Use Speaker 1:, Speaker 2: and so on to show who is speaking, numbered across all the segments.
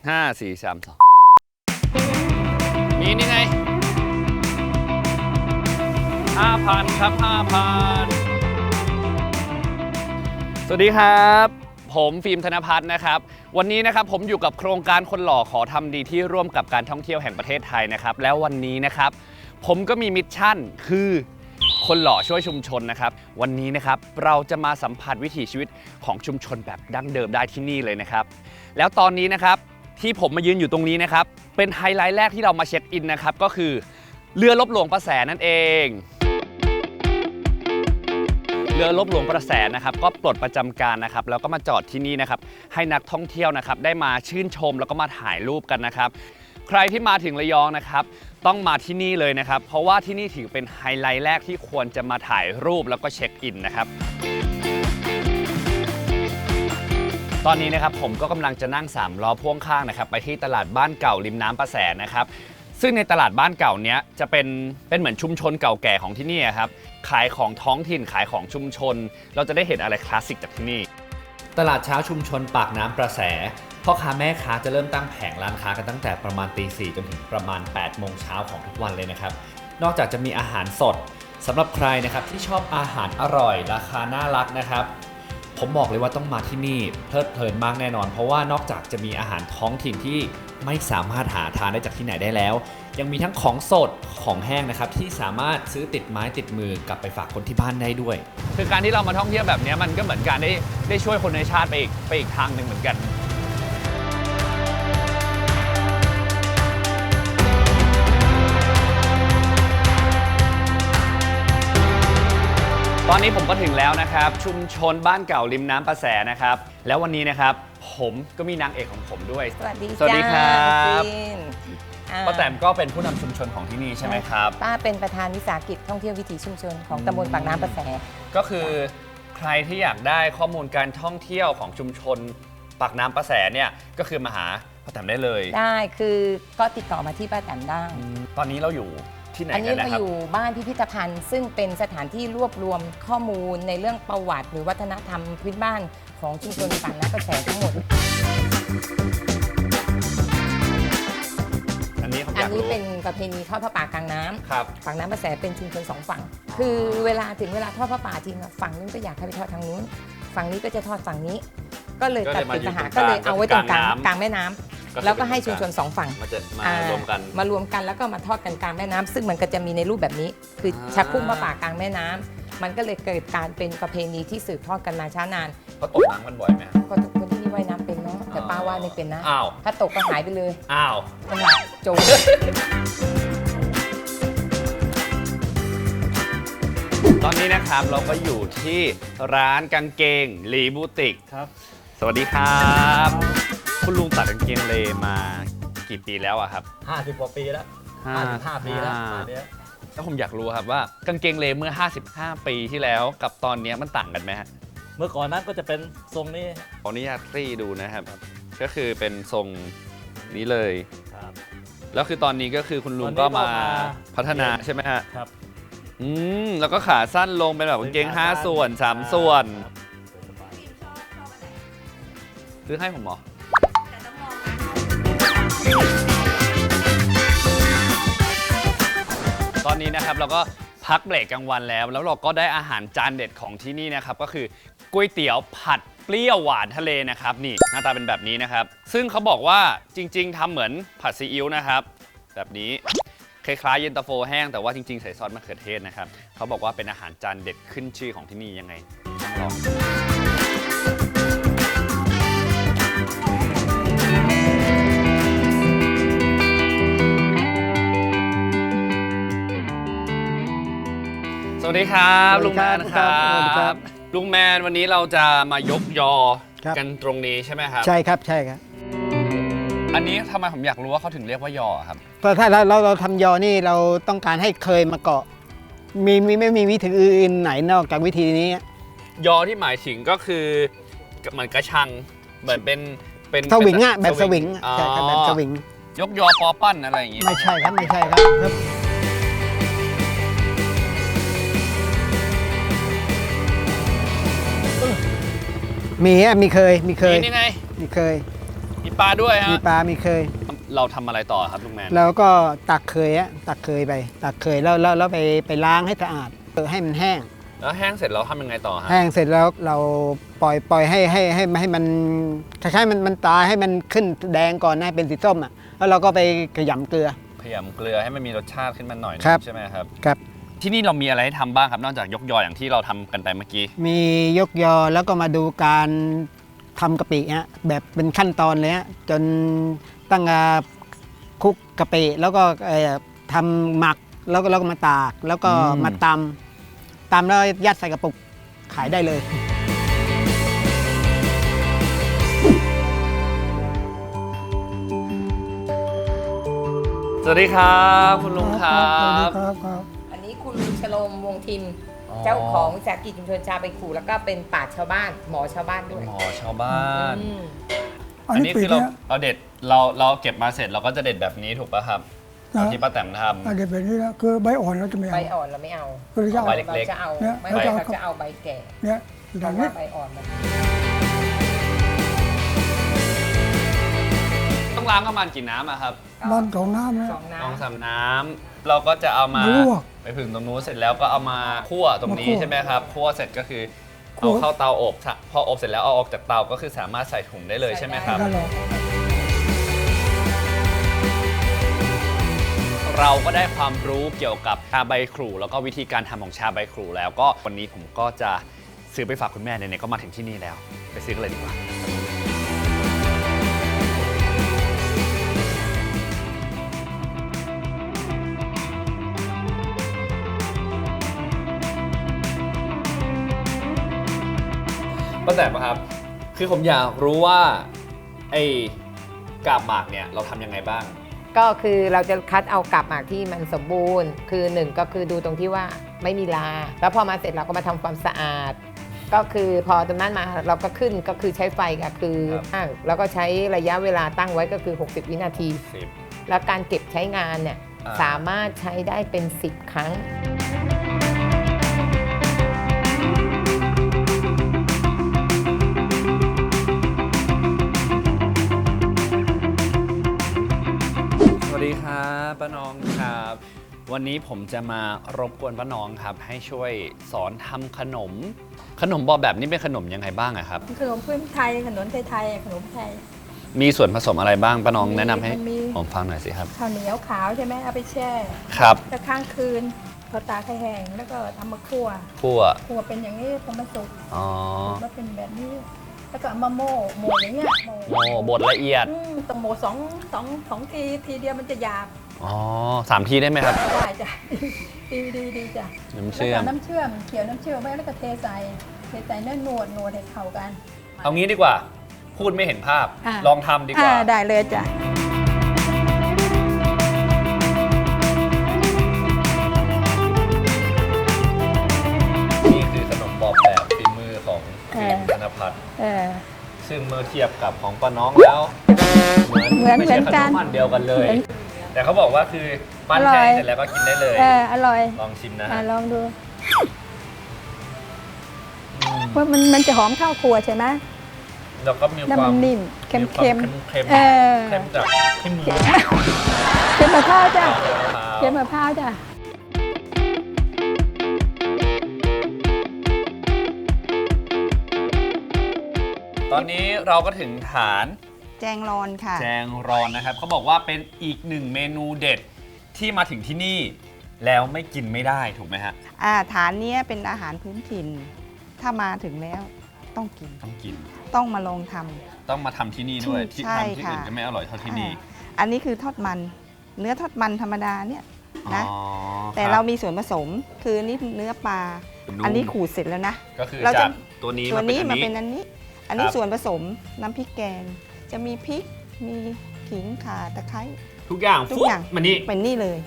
Speaker 1: 5 4 3 2มีนี่ไง 5,000 ครับ 5,000 สวัสดีครับผมฟิล์มธนภัทรนะครับวันนี้นะครับผมอยู่กับโครงการคนหล่อขอทำดีที่ร่วมกับการท่องเที่ยวแห่งประเทศไทยนะครับแล้ววันนี้นะครับผมก็มีมิชชั่นคือคนหล่อช่วยชุมชนนะครับวันนี้นะครับเราจะมาสัมผัสวิถีชีวิตของชุมชนแบบดั้งเดิมได้ที่นี่เลยนะครับแล้วตอนนี้นะครับที่ผมมายืนอยู่ตรงนี้นะครับเป็นไฮไลท์แรกที่เรามาเช็คอินนะครับก็คือเรือลบหลวงประแสนั่นเองเรือลบหลวงประแสนะครับก็ปลดประจำการนะครับแล้วก็มาจอดที่นี่นะครับให้นักท่องเที่ยวนะครับได้มาชื่นชมแล้วก็มาถ่ายรูปกันนะครับใครที่มาถึงระยองนะครับต้องมาที่นี่เลยนะครับเพราะว่าที่นี่ถือเป็นไฮไลท์แรกที่ควรจะมาถ่ายรูปแล้วก็เช็คอินนะครับตอนนี้นะครับผมก็กำลังจะนั่ง3ล้อพ่วงข้างนะครับไปที่ตลาดบ้านเก่าริมน้ำประแสนะครับซึ่งในตลาดบ้านเก่าเนี้ยจะเป็นเหมือนชุมชนเก่าแก่ของที่นี่ครับขายของท้องถิ่นขายของชุมชนเราจะได้เห็นอะไรคลาสสิกจากที่นี่ตลาดเช้าชุมชนปากน้ำประแสพ่อค้าแม่ค้าจะเริ่มตั้งแผงร้านค้ากันตั้งแต่ประมาณตี 4จนถึงประมาณ 8 โมงเช้าของทุกวันเลยนะครับนอกจากจะมีอาหารสดสำหรับใครนะครับที่ชอบอาหารอร่อยราคาน่ารักนะครับผมบอกเลยว่าต้องมาที่นี่เพลิดเพลินมากแน่นอนเพราะว่านอกจากจะมีอาหารท้องถิ่นที่ไม่สามารถหาทานได้จากที่ไหนได้แล้วยังมีทั้งของสดของแห้งนะครับที่สามารถซื้อติดไม้ติดมือกลับไปฝากคนที่บ้านได้ด้วยคือการที่เรามาท่องเที่ยวแบบนี้มันก็เหมือนการได้ช่วยคนในชาติไปอีกทางหนึ่งเหมือนกันตอนนี้ผมก็ถึงแล้วนะครับชุมชนบ้านเก่าริมน้ำประแสนะครับแล้ววันนี้นะครับผมก็มีนางเอกของผมด้วย
Speaker 2: สวัสดี
Speaker 1: ครับป้าแตมก็เป็นผู้นำชุมชนของที่นี่ใช่ไหมครับ
Speaker 2: ป้าเป็นประธานวิสาหกิจท่องเที่ยววิถีชุมชนของตำบลปากน้ำประแส
Speaker 1: ก็คือใครที่อยากได้ข้อมูลการท่องเที่ยวของชุมชนปากน้ำประแสเนี่ยก็คือมาหาป้าแตมได้เลย
Speaker 2: ได้คือก็ติดต่อมาที่ป้าแตมได้
Speaker 1: ตอนนี้เราอยู่ที่ไหน
Speaker 2: อันนี้
Speaker 1: เรา
Speaker 2: อยู่บ้านพิพิธภัณฑ์ซึ่งเป็นสถานที่รวบรวมข้อมูลในเรื่องประวัติหรือวัฒนธรรมพื้นบ้านของชุมชนปากน้ำประแสทั้งหมดอันนี้เป็นประเพณีทอดผ้าป่ากลางน้ำปากน้ำประแสเป็นชุมชน2ฝั่งคือเวลาถึงเวลาทอดผ้าป่าจริงฝั่งนู้นก็อยากให้ไปทอดทางนู้นฝั่งนี้ก็จะทอดฝั่งนี้ก็เลยตัดปัญหาก็เลยเอาไว้ตรงกลางแม่น้ำแล้วก็ให้ชุมชน2ฝั่ง
Speaker 1: มารว
Speaker 2: มกันแล้วก็มาทอดกันกลางแม่น้ำซึ่งมันก็จะมีในรูปแบบนี้คือชักพุ่งผ้าป่ากลางแม่น้ำมันก็เลยเกิดการเป็นประเพณีที่สืบทอดกันมาช้านาน
Speaker 1: เขาตกน้ำกันบ่อยไหม
Speaker 2: ก็ทุกคนที่นี่ว่ายน้ำเป็นเนาะแต่ป้าว่าไม่เป็นนะถ้าตกก็หายไปเลยมันหลับจม
Speaker 1: ตอนนี้นะครับเราก็อยู่ที่ร้านกางเกงลีบูติกครับสวัสดีครับคุณลุงตัดกางเกงเลมากี่ปีแล้วอะครับ
Speaker 3: 50 กว่าปีแล้ว55 ปีแล้ว
Speaker 1: แล้วผมอยากรู้ครับว่ากางเกงเลเมื่อ55 ปีที่แล้วกับตอนนี้มันต่างกันไหมฮะ
Speaker 3: เมื่อก่อนนั้นก็จะเป็นทรงนี้
Speaker 1: ขออนุญาตคลี่ดูนะครับก็คือเป็นทรงนี้เลยแล้วคือตอนนี้ก็คือคุณลุงก็มาพัฒนาใช่ไหมฮะ
Speaker 3: ครับ
Speaker 1: แล้วก็ขาสั้นลงเป็นแบบกางเกง5 ส่วน3 ส่วนซื้อให้ผมเหรอตอนนี้นะครับเราก็พักเบรกกลางวันแล้วเราก็ได้อาหารจานเด็ดของที่นี่นะครับก็คือก๋วยเตี๋ยวผัดเปรี้ยวหวานทะเลนะครับนี่หน้าตาเป็นแบบนี้นะครับซึ่งเขาบอกว่าจริงๆทำเหมือนผัดซีอิ๊วนะครับแบบนี้คล้ายๆเย็นตาโฟแห้งแต่ว่าจริงๆใส่ซอสมะเขือเทศนะครับเขาบอกว่าเป็นอาหารจานเด็ดขึ้นชื่อของที่นี่ยังไงต้องลองสวัสดีครับลุงแมนครับลุงแมนวันนี้เราจะมายกยอกันตรงนี้ใช่ไหมครับ
Speaker 4: ใช่ครับใช่ครับ
Speaker 1: อันนี้ทำไมผมอยากรู้ว่าเขาถึงเรียกว่ายอครับ
Speaker 4: เพราะถ้าเราทำยอนี่เราต้องการให้เคยมาเกาะไม่มีวิธีอื่นไหนนอกจากวิธีนี้
Speaker 1: ยอที่หมายถึงก็คือเหมือนกระชังเหมือนเป็น
Speaker 4: สวิงอะแบบสวิงใช่ครับแบบสวิง
Speaker 1: ยกยอปอปั้นอะไรอย่างงี้
Speaker 4: ไม่ใช่ครับไม่ใช่ครับมีเคย
Speaker 1: นี่ไง
Speaker 4: มีเคย
Speaker 1: มีปลาด้วยฮะ
Speaker 4: มีปลามีเคย
Speaker 1: เราทำอะไรต่อครับลุงแมน
Speaker 4: แล้วก็ตักเคยไปตักเคยแล้วไปล้างให้สะอาดให้มันแห้ง
Speaker 1: แล้วแห้งเสร็จเราทำยังไงต่อฮะ
Speaker 4: แห้งเสร็จแล้วเราปล่อยให้มันคล้ายๆมันตายให้มันขึ้นแดงก่อนให้เป็นสีส้มอ่ะแล้วเราก็ไปขยำเกลือ
Speaker 1: ขยำเกลือให้มันมีรสชาติขึ้นมาหน่อยนึง
Speaker 4: ครับ
Speaker 1: ใช่ไหมครับ
Speaker 4: ครับ
Speaker 1: ที่นี่เรามีอะไรให้ทำบ้างครับนอกจากยกยออย่างที่เราทำกันไปเมื่อกี้
Speaker 4: มียกยอแล้วก็มาดูการทำกะปิฮะแบบเป็นขั้นตอนเลยฮะจนตั้งคลุกกะปิแล้วก็ทำหมักแล้วก็มาตากแล้วก็มาตำแล้วยัดใส่กระปุกขายได้เลย
Speaker 1: สวัสดีครับคุณลุงครับ
Speaker 2: อันนี้คุณลุงชโลมวงทิม เจ้าของวิสาหกิจชุมชนชาวใบขู่แล้วก็เป็นปราชญ์ชาวบ้านหมอชาวบ้านด้วย
Speaker 1: หมอชาวบ้าน
Speaker 2: อืม
Speaker 1: อันนี้คือเราเด็ดเราเก็บมาเสร็จเราก็จะเด็ดแบบนี้ถูกป่ะครับที่ป้าแตมทำ
Speaker 5: เดี๋ยวแบบนี้แล้วคือใบอ่อนเราจะไม่
Speaker 2: ใบ
Speaker 5: เอา
Speaker 2: อ่อนเราไม่เอา
Speaker 5: คือจะ
Speaker 1: ใบ
Speaker 5: เอา
Speaker 1: เล็กๆ
Speaker 2: เราจะเอา
Speaker 5: เนี่ย
Speaker 2: ไม่
Speaker 5: เราจะเอา
Speaker 2: เราจะเอาใบแก่
Speaker 5: เนี่ยอ
Speaker 2: เพ
Speaker 5: ย่าง
Speaker 2: ราะ
Speaker 5: นี้
Speaker 2: ว่าใบอ่อนมัน
Speaker 1: ต้องล้างประมาณกี่น้ำอะครับ
Speaker 5: บ้านของน้ำนะ
Speaker 2: สองน้
Speaker 1: สองสามน้ำเราก็จะเอามา
Speaker 5: ลวก
Speaker 1: ไปผึ่งตรงนู้นเสร็จแล้วก็เอามาคั่วตรงนี้
Speaker 5: มาคั่ว
Speaker 1: ใช่ไหมครับคั่วเสร็จก็คือ
Speaker 5: คั่
Speaker 1: เอา
Speaker 5: ว
Speaker 1: เข้าเตาอบพออบเสร็จแล้วเอาออกจากเตาก็คือสามารถใส่ถุงได้เลยใช่ไหมครับ
Speaker 5: นั่นแหละ
Speaker 1: เราก็ได้ความรู้เกี่ยวกับชาใบครูแล้วก็วิธีการทำของชาใบครูแล้วก็วันนี้ผมก็จะซื้อไปฝากคุณแม่ไหนๆก็มาถึงที่นี่แล้ว ไปซื้อกันเลยดีกว่าป้าแต๋มครับ คือผมอยากรู้ว่าไอ้กาบหมากเนี่ยเราทำยังไงบ้าง
Speaker 2: ำก็คือเราจะคัดเอากาบหมากที่มันสมบูรณ์ คือหนึ่งก็คือดูตรงที่ว่าไม่มีราแล้วพอมาเสร็จเราก็มาทำความสะอาด ก็คือพอตรงนั้นมาเราก็ขึ้นก็คือใช้ไฟก็คือ
Speaker 1: ครับ
Speaker 2: แล้วก็ใช้ระยะเวลาตั้งไว้ก็คือ 60 วินาที แล้วการเก็บใช้งานเนี่ย
Speaker 1: อ่า
Speaker 2: สามารถใช้ได้เป็น 10 ครั้ง
Speaker 1: สวัสดีครับป้าน้องครับ วันนี้ผมจะมารบกวนป้าน้องครับ ให้ช่วยสอนทำขนมบอแบบนี้เป็นขนมยังไงบ้างอะครับ
Speaker 6: ขนมพื้นไทยขนมไทยๆขนมไทย
Speaker 1: มีส่วนผสมอะไรบ้างป้าน้อง
Speaker 6: มี
Speaker 1: แนะนำให้
Speaker 6: มันมี
Speaker 1: ผมฟังหน่อยสิครับ
Speaker 6: ข้าวเหนียวขาวใช่ไหมเอาไปแช่
Speaker 1: ครับ
Speaker 6: แล้วค้างคืนพอตากให้แห้งแล้วก็ทำมาคั่ว
Speaker 1: คั่ว
Speaker 6: คั่วเป็นอย่างนี้พอมันสุก
Speaker 1: อ๋อ
Speaker 6: แล้วเป็นแบบนี้ แล้วก็เอามาโม่อย่างเงี้ย
Speaker 1: โม่บดละเอียด
Speaker 6: ต้องโม่สองทีเดียวมันจะหยาบ
Speaker 1: อ๋อ3 ทีได้ไหมครับ
Speaker 6: ได้จ้ะ ดีจ้ะ
Speaker 1: น้ำ
Speaker 6: แล้ว
Speaker 1: เชื่อ
Speaker 6: ก็
Speaker 1: ม
Speaker 6: น้ำเชื่อมเคี่ยวน้ำเชื่อมไว้แล้วก็เทใส่เนื้อนวดให้เข้ากัน
Speaker 1: เอางี้ดีกว่า พูดไม่เห็นภาพ
Speaker 6: อ่ะ
Speaker 1: ลองทำดีกว่า
Speaker 6: ได้เลยจ้ะ
Speaker 1: นี่คือขนมบอบแบบฝีมือของฟิล์มธนพัฒน์
Speaker 6: เออ
Speaker 1: ซึ่งเมื่อเทียบกับของป้าน้องแล้ว
Speaker 6: เหมือน
Speaker 1: ไม่ใช่ข
Speaker 6: กัน
Speaker 1: นมอันเดียวกันเลย
Speaker 6: เหมือน
Speaker 1: แต่เขาบอกว่าคือปั้น
Speaker 6: อร่
Speaker 1: แห้
Speaker 6: อย
Speaker 1: งเสร็จแล้วก็กินได้เลย
Speaker 6: อร่อย
Speaker 1: ลองชิมนะฮะ
Speaker 6: ลองดูว่ามันจะหอมข้าวครัวใช่ไหม
Speaker 1: แล้วก็มี
Speaker 6: แล้ว
Speaker 1: ควา
Speaker 6: มั
Speaker 1: ม
Speaker 6: นนิ่มเค็ม
Speaker 1: เค็ม
Speaker 6: เออ
Speaker 1: เค็มจากที่มือ
Speaker 6: เค็มมะพร้าวจ้ะ
Speaker 1: มะพร้าว
Speaker 6: เค็มมะพร้าวจ้ะ
Speaker 1: ตอนนี้เราก็ถึงฐาน
Speaker 7: แจงรอนค่ะ
Speaker 1: แจงรอนนะครับเขาบอกว่าเป็นอีกหนึ่งเมนูเด็ดที่มาถึงที่นี่ แล้วไม่กินไม่ได้ถูกไหมฮะ
Speaker 7: ฐานเนี้ยเป็นอาหารพื้นถิ่น ถ้ามาถึงแล้วต้องกิน
Speaker 1: ต้องกิน
Speaker 7: ต้องมาลองท
Speaker 1: ต้องมาทำที่นี่ด้วยที่
Speaker 7: ใช่
Speaker 1: ทำที่อื่น
Speaker 7: ค่ะ
Speaker 1: จะไม่อร่อยเท่าที่นี่
Speaker 7: อันนี้คือทอดมัน เนื้อทอดมันธรรมดาเนี่ยนะ
Speaker 1: อ๋อ
Speaker 7: แต่
Speaker 1: คบ
Speaker 7: เรามีส่วนผสมคือนี่เนื้อปลา
Speaker 1: นุ่ม
Speaker 7: อันนี้ขูดเสร็จแล้วนะ
Speaker 1: ก็คือ
Speaker 7: เราจะ
Speaker 1: จากตัวนี้
Speaker 7: ตัว
Speaker 1: มาเป็น
Speaker 7: นี้
Speaker 1: อัน
Speaker 7: มา
Speaker 1: นี้
Speaker 7: เป็นอันนี้ อันนี้
Speaker 1: ครับ
Speaker 7: ส่วนผสมน้ำพริกแกง จะมีพริก มีขิงข่าตะไคร้
Speaker 1: ทุกอย่าง
Speaker 7: ทุก
Speaker 1: ฟุ๊บ
Speaker 7: อย่าง
Speaker 1: มานี่
Speaker 7: เป็นนี่เลย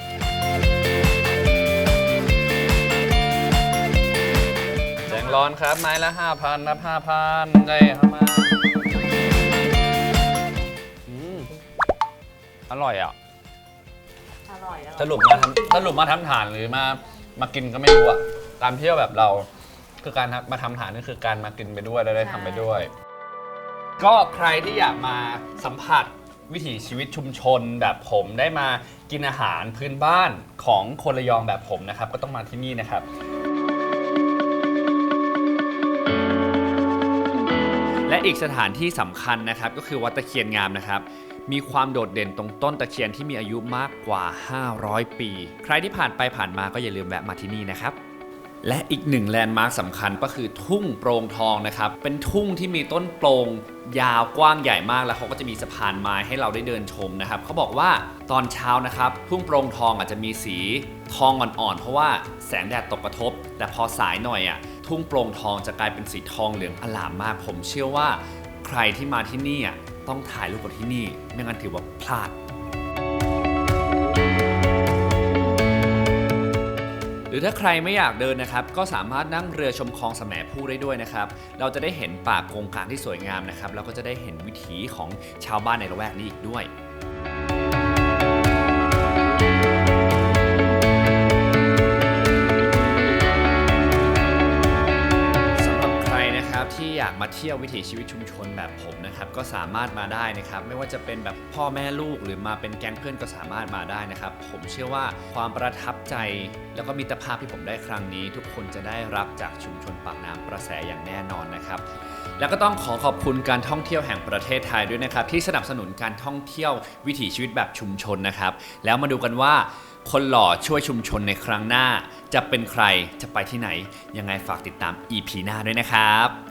Speaker 1: แจงร้อนครับไม้ละ 5,000นะ5,000ได้เข้ามาอร่อยอ่ะ สรุปมาทำฐานหรือมากินก็ไม่รู้อะตามเที่ยวแบบเราคือการมาทำฐานนี่คือการมากินไปด้วยแล้วได้ทำไปด้วยก็ใครที่อยากมาสัมผัสวิถีชีวิตชุมชนแบบผมได้มากินอาหารพื้นบ้านของคนระยองแบบผมนะครับก็ต้องมาที่นี่นะครับและอีกสถานที่สำคัญนะครับก็คือวัดตะเคียนงามนะครับมีความโดดเด่นตรงต้นตะเคียนที่มีอายุมากกว่า500 ปีใครที่ผ่านไปผ่านมาก็อย่าลืมแวะมาที่นี่นะครับและอีกหนึ่งแลนด์มาร์คสำคัญก็คือทุ่งโปร่งทองนะครับเป็นทุ่งที่มีต้นโปร่งยาวกว้างใหญ่มากแล้วเขาก็จะมีสะพานไม้ให้เราได้เดินชมนะครับเขาบอกว่าตอนเช้านะครับทุ่งโปร่งทองอาจจะมีสีทองอ่อนๆเพราะว่าแสงแดดตกกระทบแต่พอสายหน่อยทุ่งโปร่งทองจะกลายเป็นสีทองเหลืองอลามมากผมเชื่อว่าใครที่มาที่นี่ต้องถ่ายรูปกับที่นี่ไม่งั้นถือว่าพลาดหรือถ้าใครไม่อยากเดินนะครับก็สามารถนั่งเรือชมคลองแสมพู่ได้ด้วยนะครับเราจะได้เห็นป่าโกงกลางที่สวยงามนะครับแล้วก็จะได้เห็นวิถีของชาวบ้านในละแวกนี้อีกด้วยที่อยากมาเที่ยววิถีชีวิตชุมชนแบบผมนะครับก็สามารถมาได้นะครับไม่ว่าจะเป็นแบบพ่อแม่ลูกหรือมาเป็นแก๊งเพื่อนก็สามารถมาได้นะครับผมเชื่อว่าความประทับใจแล้วก็มิตรภาพที่ผมได้ครั้งนี้ทุกคนจะได้รับจากชุมชนปากน้ำประแสอย่างแน่นอนนะครับแล้วก็ต้องขอบคุณการท่องเที่ยวแห่งประเทศไทยด้วยนะครับที่สนับสนุนการท่องเที่ยววิถีชีวิตแบบชุมชนนะครับแล้วมาดูกันว่าคนหล่อช่วยชุมชนในครั้งหน้าจะเป็นใครจะไปที่ไหนยังไงฝากติดตาม EP หน้าด้วยนะครับ